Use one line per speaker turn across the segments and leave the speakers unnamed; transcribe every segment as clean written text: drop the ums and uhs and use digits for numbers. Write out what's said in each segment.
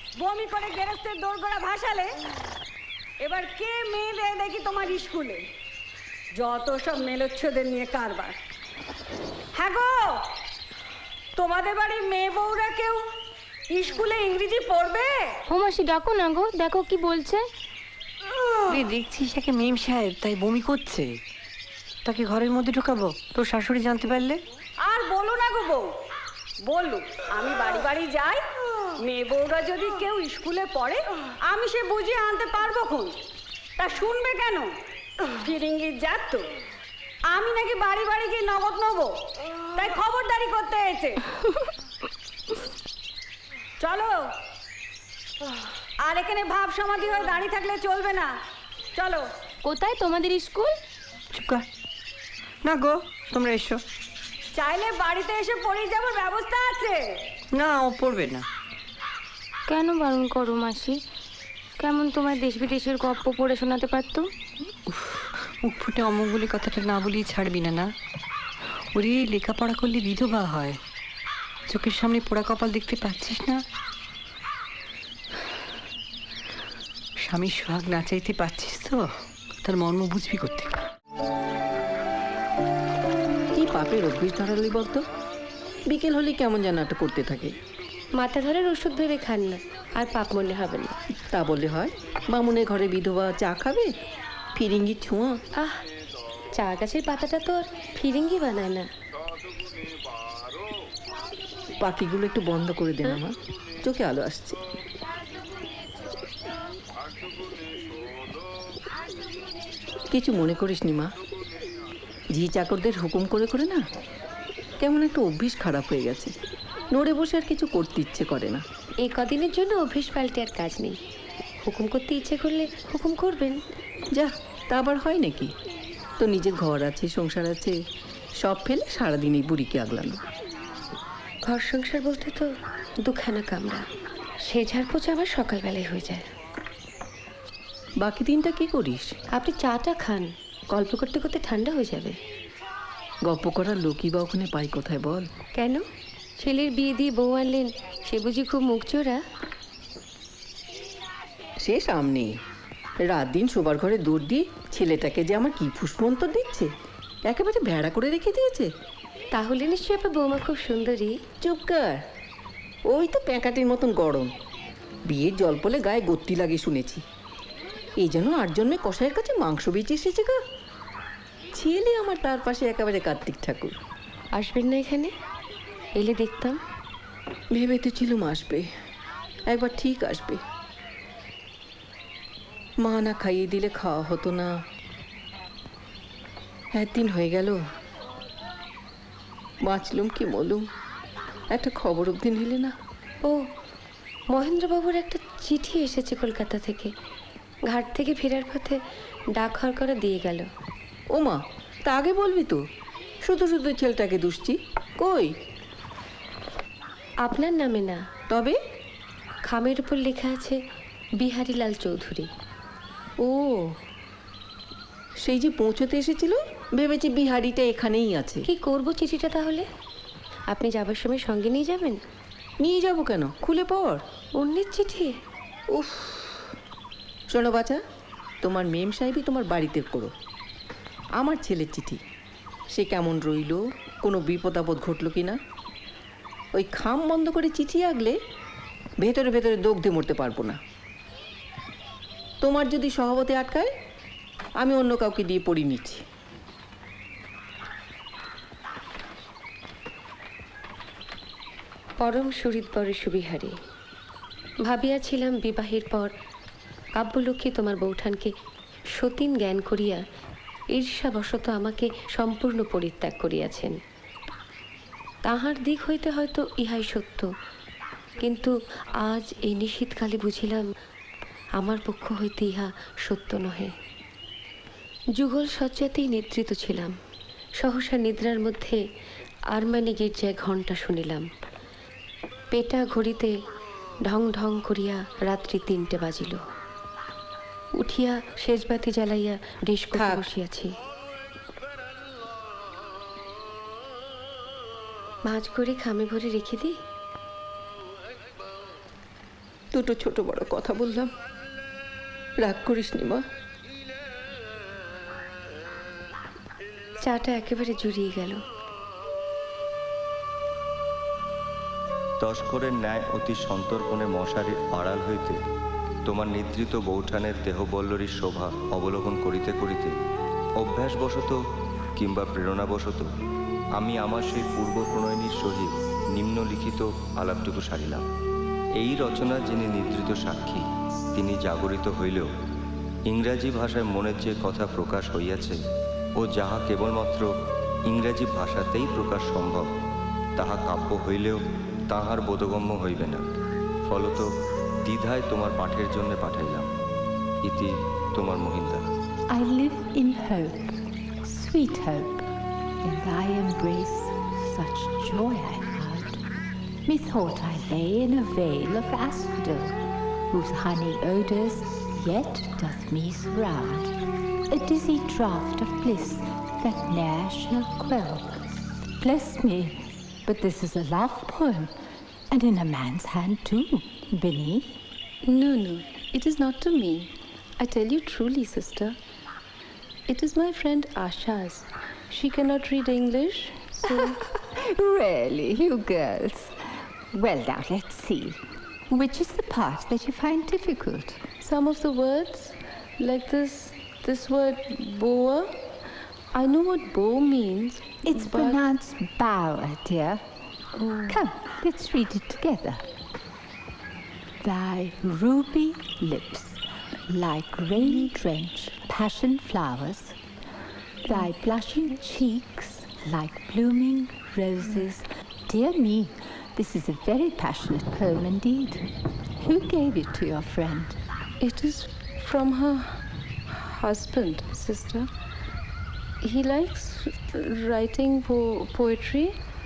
বমি করে গেরস্তের দোরগোড়া ভাসালে, এবার কে মেয়ে দেয় দেখি তোমার স্কুলে? যত সব মেলোচ্ছদের নিয়ে কারবার। হ্যাঁ গো, তোমাদের বাড়ির মেয়ে বউরা কেউ স্কুলে ইংরেজি পড়বে?
ও মাসি ডাকো না গো, দেখো কি বলছে।
দেখছিস একে মেম সাহেব, তাই বমি করছে। তাকে ঘরের মধ্যে ঢোকাবো? তোর শাশুড়ি জানতে পারলে?
আর বলো না গো বউ, বলুক আমি বাড়ি বাড়ি যাই, মেয়ে বউরা যদি কেউ স্কুলে পড়ে আমি সে বুঝিয়ে আনতে পারবো খন। তা শুনবে কেন? ফিরিঙ্গির যাত তো, আমি নাকি বাড়ি বাড়ি গিয়ে নগদ নেবো, তাই খবরদারি করতে হয়েছে। চলো, আর এখানে ভাব সমাধি হয়ে দাঁড়িয়ে থাকলে চলবে না, চলো।
কোথায় তোমাদের স্কুল?
চুপ কর না গো, তোমরা এসো।
চাইলে বাড়িতে এসে পড়িয়ে যাবার ব্যবস্থা আছে।
না, ও পড়বে না।
কেন বারণ করো মাসি? কেমন তোমার দেশ বিদেশের গপ্প পড়ে শোনাতে পারতো।
মুখ ফুটে অমুক বলে কথাটা না বলিয়ে ছাড়বি না। না ওরে, লেখাপড়া করলে বিধবা হয়। চোখের সামনে পোড়া কপাল দেখতে পাচ্ছিস না? স্বামীর সোহাগ না চাইতে পারছিস তো, তার মর্ম বুঝবি করতে।
কি পাপের অভ্যেস ধরালি বলতো? বিকেল হলে কেমন যেন একটা করতে থাকে।
মাথা ধরার ওষুধ ভেবে খান না, আর পাপ মনে হবে না।
তা বললে হয়? বামুনের ঘরে বিধবা চা খাবে? ফিরিঙ্গি ছোঁয়া।
আহ, চা গাছের পাতাটা তো আর ফিরিঙ্গি বানায় না।
পাখিগুলো একটু বন্ধ করে দেন আমার, চোখে আলো আসছে। কিছু মনে করিস নি মা, ঝি চাকরদের হুকুম করে করে না কেমন একটা অভ্যেস খারাপ হয়ে গেছে। নড়ে বসে আর কিছু করতে ইচ্ছে করে না।
এই কদিনের জন্য অভ্যেস পাল্টে আর কাজ নেই। হুকুম করতে ইচ্ছে করলে হুকুম করবেন।
যা, তা আবার হয় নাকি? তো নিজের ঘর আছে, সংসার আছে, সব ফেলে সারাদিন এই বুড়িকে আগলানো।
ঘর সংসার বলতে তো দুখানা কামরা, সে ঝাড়পোছা আবার সকালবেলায় হয়ে যায়।
বাকি দিনটা কি করিস?
আপনি চাটা খান, গল্প করতে করতে ঠান্ডা হয়ে যাবে।
গপ্প করার লোকই বা ওখানে পাই কোথায় বল?
কেন, ছেলের বিয়ে দিয়ে বউ আনলেন, সে বুঝি খুব মুখ চোরা?
সে সামনে রাত দিন শোবার ঘরে দৌড় দিয়ে ছেলেটাকে যে আমার কি ফুসমন্তর দিচ্ছে, একেবারে ভেড়া করে রেখে দিয়েছে।
তাহলে নিশ্চয়ই আপনার বৌমা খুব সুন্দরী।
চুপ কর, ওই তো প্যাঁকাটির মতন গরম। বিয়ের জল পলে গায়ে গত্তি লাগে শুনেছি। এই জন্য 8 জন্মে কসাইয়ের কাছে মাংস বেঁচে এসেছে গা। ছেলে আমার তার পাশে একেবারে কার্তিক ঠাকুর।
আসবেন না এখানে? এলে দেখতাম।
ভেবে তো ছিলুম আসবে, একবার ঠিক আসবে। মা না খাইয়ে দিলে খাওয়া হতো না। একদিন হয়ে গেল, বাঁচলুম কি মলুম, একটা খবর অবধি নিলে না।
ও, মহেন্দ্রবাবুর একটা চিঠি এসেছে কলকাতা থেকে। ঘাট থেকে ফেরার পথে ডাক হরকরা দিয়ে গেল।
ও মা, তা আগে বলবি তো, শুধু শুধু ছেলেটাকে দুষছি। কই?
আপনার নামে না,
তবে
খামের উপর লেখা আছে বিহারীলাল চৌধুরী।
ও, সেই যে পৌঁছতে এসেছিল, ভেবেছি বিহারিটা এখানেই আছে।
কি করব চিঠিটা তাহলে? আপনি যাবার সময় সঙ্গে নিয়ে যাবেন?
নিয়ে যাব কেন, খুলে পড়।
অন্যের চিঠি?
উফ, শোনো বাচ্চা, তোমার মেম সাহেবই তোমার বাড়িতে করো। আমার ছেলের চিঠি, সে কেমন রইল, কোনো বিপদ আপদ ঘটলো কি না। ওই খাম বন্ধ করে চিঠি আগলে ভেতরে ভেতরে দগ্ধে মরতে পারবো না। তোমার যদি সহবতে আটকায়, আমি অন্য কাউকে দিয়ে পড়িয়ে নিচ্ছি।
পরম সুহৃদবরে সুবিহারী, ভাবিয়াছিলাম বিবাহের পর কাব্যলক্ষ্মী তোমার বৌঠানকে সতীন জ্ঞান করিয়া ঈর্ষাবশত আমাকে সম্পূর্ণ পরিত্যাগ করিয়াছেন। তাহার দিক হইতে হয়তো ইহাই সত্য, কিন্তু আজ এই নিশীথকালে বুঝিলাম আমার পক্ষ হইতে ইহা সত্য নহে। যুগল শয্যাতেই নিদ্রিত ছিলাম, সহসা নিদ্রার মধ্যে আরমানি গির্জায় ঘণ্টা শুনিলাম। পেটা ঘড়িতে ঢং ঢং করিয়া রাত্রি 3টে বাজিল। উঠিয়া সেজবাতি জ্বালাইয়া ডিশ করে বসিয়াছি। মাছ করে খামে ভরে রেখে দিই।
দুটো ছোট বড় কথা বললাম, রাগ করিস নি মা।
চাটা একেবারে জুড়িয়ে গেল।
তস্করের ন্যায় অতি সন্তর্পণে মশারির আড়াল হইতে তোমার নিদ্রিত বৌঠানের দেহবল্লরীর শোভা অবলোকন করিতে করিতে অভ্যাসবশত কিংবা প্রেরণাবশত আমি আমার সেই পূর্ব প্রণয়নীর সহিত নিম্নলিখিত আলাপটুকু সারিলাম। এই রচনা যিনি নিদ্রিত সাক্ষী, তিনি জাগরিত হইলেও ইংরাজি ভাষায় মনের যে কথা প্রকাশ হইয়াছে ও যাহা কেবলমাত্র ইংরাজি ভাষাতেই প্রকাশ সম্ভব, তাহা কাব্য হইলেও তাহার বোধগম্য হইবে না। ফলত দ্বিধায় তোমার পাঠের জন্য পাঠাইলাম। ইতি তোমার মহিন্দা।
I live in hope, sweet hope. In thy embrace such joy I found. Methought I lay in a vale of asphodel, whose honey odours yet doth me surround. A dizzy draught of bliss that ne'er shall quell. Bless me, but this is a love poem, and in a man's hand too, beneath.
No, it is not to me. I tell you truly, sister. It is my friend Asha's. She cannot read English, so...
Really, you girls. Well, now let's see. Which is the part that you find difficult?
Some of the words, like this word boa. I know what bow means.
It's
but
pronounced bower, dear. Come, let's read it together. Thy ruby lips, like rain-drenched passion flowers, thy blushing cheeks, like blooming roses. Dear me, this is a very passionate poem indeed. Who gave it to your friend?
It is from her husband, sister. He likes writing poetry,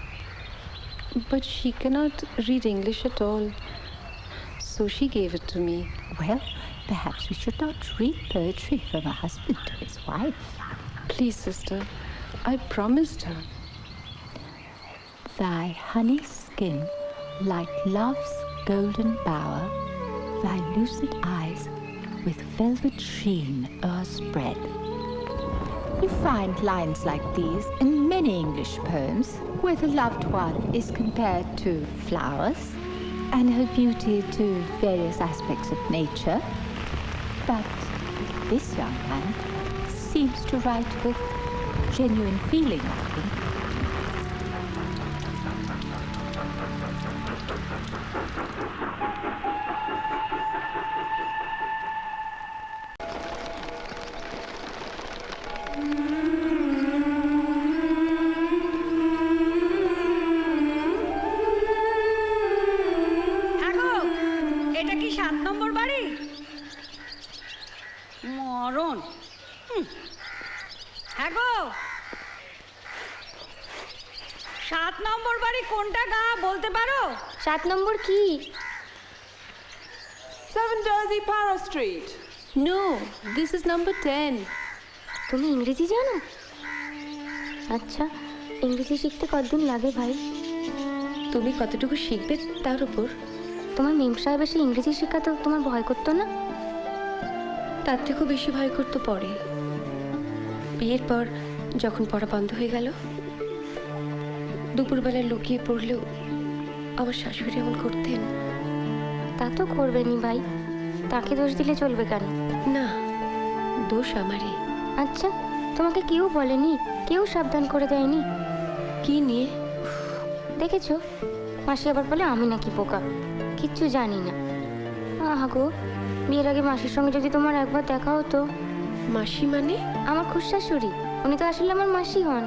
but she cannot read English at all. So she gave it to me.
Well, perhaps we should not read poetry from a husband to his wife.
Please, sister, I promised her.
Thy honey skin, like love's golden bower, thy lucid eyes with velvet sheen o'erspread. You find lines like these in many English poems, where the loved one is compared to flowers and her beauty to various aspects of nature. But this young man seems to write with genuine feeling, I think.
হ্যাঁ গো, এটা কি 7 নম্বর বাড়ি? মরণ। হ্যাঁ গো, 7 নম্বর বাড়ি কোনটা গা বলতে পারো?
7 নম্বর কি?
7 Jersey Para Street.
No, this is number 10.
তুমি ইংরেজি জানো? আচ্ছা, ইংরেজি শিখতে কতদিন লাগে ভাই?
তুমি কতটুকু শিখবে তার উপর।
তোমার মেম সাহেব এসে ইংরেজি শেখাতো, তোমার ভয় করতো না?
তার থেকেও বেশি ভয় করতে পড়ে। বিয়ের পর যখন পড়া বন্ধ হয়ে গেল, দুপুরবেলা লুকিয়ে পড়লেও আমার শাশুড়ি এমন করতেন।
তা তো করবেনি ভাই, তাকে দোষ দিলে চলবে কেন?
না, দোষ আমারই।
আচ্ছা, তোমাকে কেউ বলেনি, কেউ সাবধান করে দেয়নি?
কি নিয়ে?
দেখেছো, মাসি আবার বলে আমি নাকি বোকা, কিচ্ছু জানি না। আহা গো, বিয়ের আগে মাসির সঙ্গে যদি তোমার একবার দেখা হতো।
মাসি মানে?
আমার খুশাশুড়ি, উনি তো আসলে আমার মাসি হন।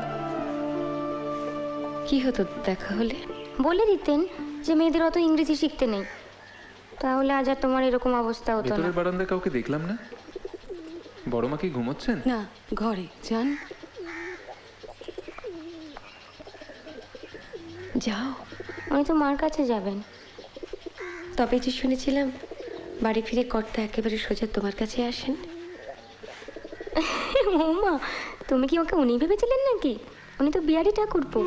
কি হতো দেখা হলে?
বলে দিতেন যে মেয়েদের অত ইংরেজি শিখতে নেই, তাহলে আজ আর তোমার এরকম অবস্থা হতো না।
ভেতরের বারান্দায় কাউকে দেখলাম না। বড় মা কি ঘুমোচ্ছেন?
না, ঘরে যান। যাও।
উনি তো মার কাছে যাবেন।
তবে যে শুনেছিলাম বাড়ি ফিরে কর্তা একেবারে সোজা তোমার কাছে আসেন।
মা, তুমি কি ওকে উনি ভেবেছিলেন নাকি? উনি তো বিহারি ঠাকুরপো।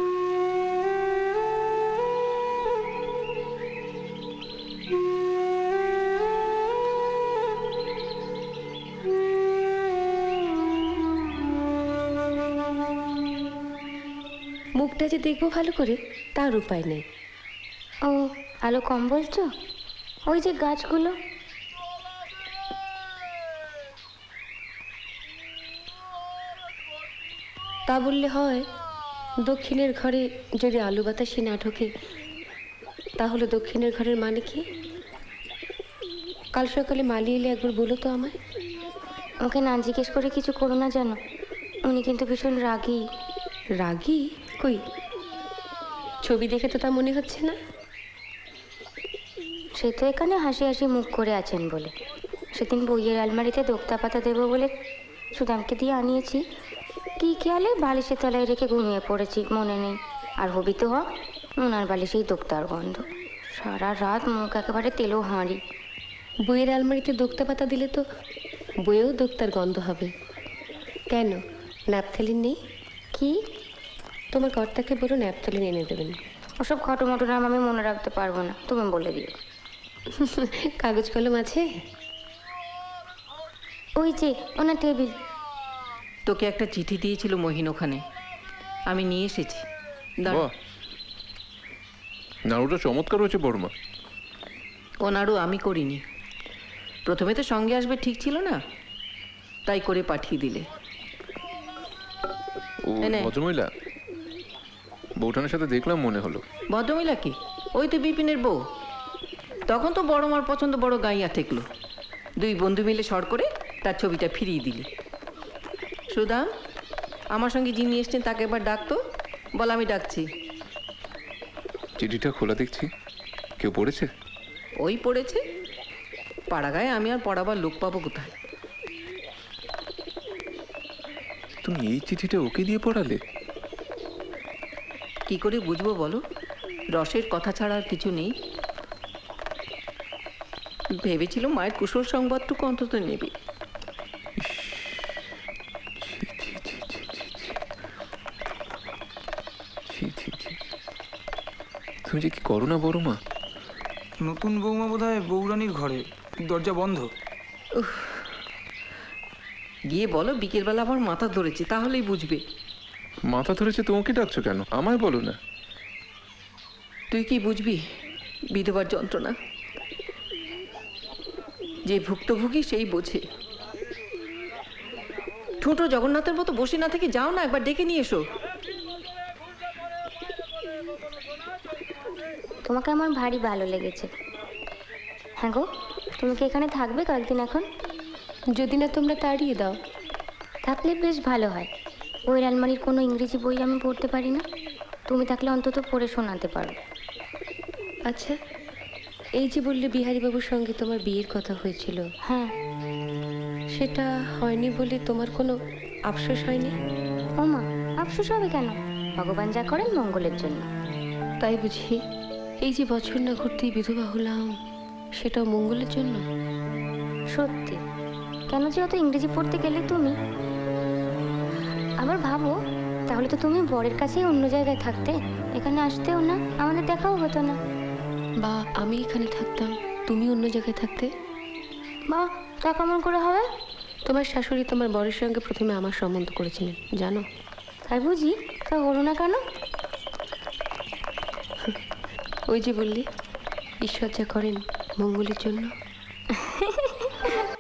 ঘরটা যে দেখবো ভালো করে তার উপায় নেই।
ও, আলো কম বলছো? ওই যে গাছগুলো।
তা বললে হয়? দক্ষিণের ঘরে যদি আলু বাতাসি না ঢোকে তাহলে দক্ষিণের ঘরের মানে কি? কাল সকালে মালি এলে একবার বলো তো আমায়।
ওকে না জিজ্ঞেস করে কিছু করো না জানো, উনি কিন্তু ভীষণ রাগী।
রাগী? কই, ছবি দেখে তো তা মনে হচ্ছে না।
সে তো এখানে হাসি হাসি মুখ করে আছেন বলে। সেদিন বইয়ের আলমারিতে দোক্তা পাতা দেবো বলে সুদামকে দিয়ে আনিয়েছি, কী খেয়ালে বালিশের তলায় রেখে ঘুমিয়ে পড়েছি, মনে নেই। আর হবি তো হয় ওনার বালিশেই দোক্তার গন্ধ। সারা রাত মুখ একেবারে তেলো হাঁড়ি।
বইয়ের আলমারিতে দোক্তা পাতা দিলে তো বইয়েও দোক্তার গন্ধ হবে। কেন, ন্যাপথলিন নেই?
কি?
তোমার কর্তাকে বলো ন্যাপথলিন এনে দেবেন।
ওসব খটোমটো নাম আমি মনে রাখতে পারবো না, তুমি বলে দিও।
কাগজ কলম আছে?
ওই যে ওনার টেবিল।
তোকে একটা চিঠি দিয়েছিল মহিন ওখানে, আমি নিয়ে এসেছি। দাঁড়া।
বাহ, নাড়ুটা চমৎকার হয়েছে বড়মা।
ও নাড়ু আমি করিনি। প্রথমে তো সঙ্গে আসবে ঠিক ছিল না, তাই করে পাঠিয়ে দিলে।
ও
এনে।
ভদ্রমহিলা বউঠানের সাথে দেখলাম মনে হলো।
ভদ্রমহিলা কি? ওই তো বিপিনের বউ। তখন তো বড় মার পছন্দ বড় গাইয়া ঠেকলো, দুই বন্ধু মিলে সর করে তার ছবিটা ফিরিয়ে দিলি। সুদাম, আমার সঙ্গে যিনি এসছেন তাকে একবার ডাকতো, বল আমি ডাকছি।
চিঠিটা খোলা দেখছি, কেউ পড়েছে?
ওই পড়েছে, পাড়াগায় আমি আর পড়াবার লোক পাবো কোথায়?
তুমি এই চিঠিটা ওকে দিয়ে পড়ালে?
কি করে বুঝবো বলো? রসের কথা ছাড়া আর কিছু নেই। ভেবেছিল মায়ের কুশল সংবাদটুকু অন্তত নেবে।
তুমি যে কি করো না বড় মা।
নতুন বৌমা বোধহয় বৌরানির ঘরে, দরজা বন্ধ।
গিয়ে বলো বিকেলবেলা আমার মাথা ধরেছে, তাহলেই বুঝবে।
মাথা ধরেছে তোমাকে ডাকছো কেন? আমায় বলো না।
তুই কি বুঝবি বিধবার যন্ত্রণা? যে ভুক্তভোগী সেই বোঝে। ছোট জগন্নাথের মতো বসে না থেকে যাও না, একবার ডেকে নিয়ে এসো।
তোমাকে আমার ভারী ভালো লেগেছে। হ্যাঁ গো, তুমি কি এখানে থাকবে কয়েকদিন এখন?
যদি না তোমরা তাড়িয়ে দাও।
থাকলে বেশ ভালো হয়। বইয়ের আলমারির কোনো ইংরেজি বই আমি পড়তে পারি না, তুমি থাকলে অন্তত পড়ে শোনাতে পারো।
আচ্ছা, এই যে বললে বিহারীবাবুর সঙ্গে তোমার বিয়ের কথা হয়েছিল,
হ্যাঁ।
সেটা হয়নি বলে তোমার কোনো আফসোস হয়নি?
ও মা, আফসোস হবে কেন? ভগবান যা করেন মঙ্গলের জন্য।
তাই বুঝি এই যে বছর না ঘুরতেই বিধবা হলাম, সেটাও মঙ্গলের জন্য?
সত্যি। কেন যে অত ইংরেজি পড়তে গেলে তুমি? আবার ভাবো, তাহলে তো তুমি বরের কাছেই অন্য জায়গায় থাকতে, এখানে আসতেও না, আমাদের দেখাও হতো না।
বা আমি এখানে থাকতাম, তুমি অন্য জায়গায় থাকতে।
বা তা কেমন করে হবে?
তোমার শাশুড়ি তোমার বরের সঙ্গে প্রথমে আমার সম্বন্ধ করেছিলেন, জানো?
তাই বুঝি? তা হলো না কেন?
ওই যে বললি ঈশ্বর যা করেন মঙ্গলের জন্য।